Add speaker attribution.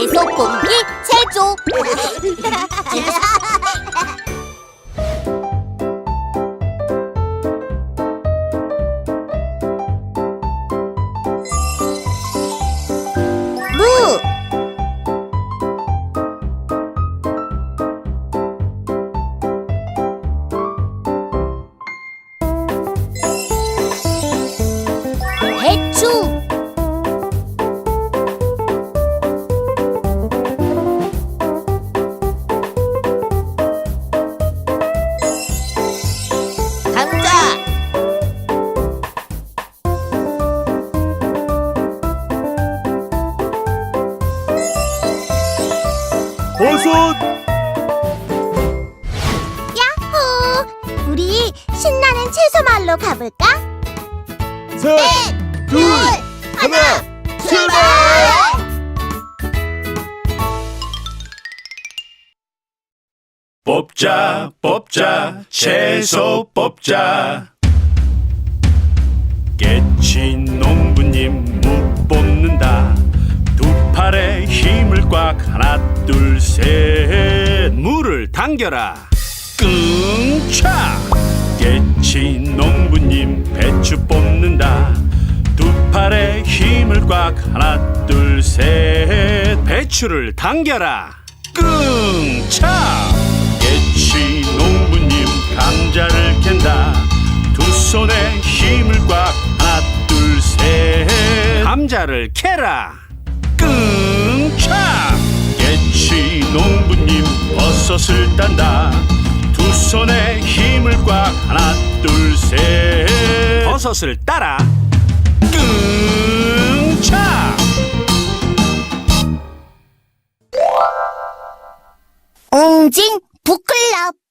Speaker 1: 채소 뽑기 제조. 무, 배추, 감자,
Speaker 2: 버섯.
Speaker 1: 야호! 우리 신나는 채소마을로 가볼까?
Speaker 2: 셋, 둘, 하나, 출발! 뽑자 뽑자 채소 뽑자. 깨치 농부님 무 뽑는다. 두 팔에 힘을 꽉 하나 둘 셋. 무를 당겨라 끙차. 깨치 농부님 배추 뽑는다. 두 팔에 힘을 꽉 하나 둘 셋. 배추를 당겨라 끙차. 깨치 농부님 감자를 캔다. 두 손에 힘을 꽉 하나 둘 셋. 감자를 캐라 끙차. 깨치 농부님 버섯을 딴다. 두 손에 힘을 꽉 하나 둘 셋. 버섯을 따라 끙차.
Speaker 1: 옹진 북클럽.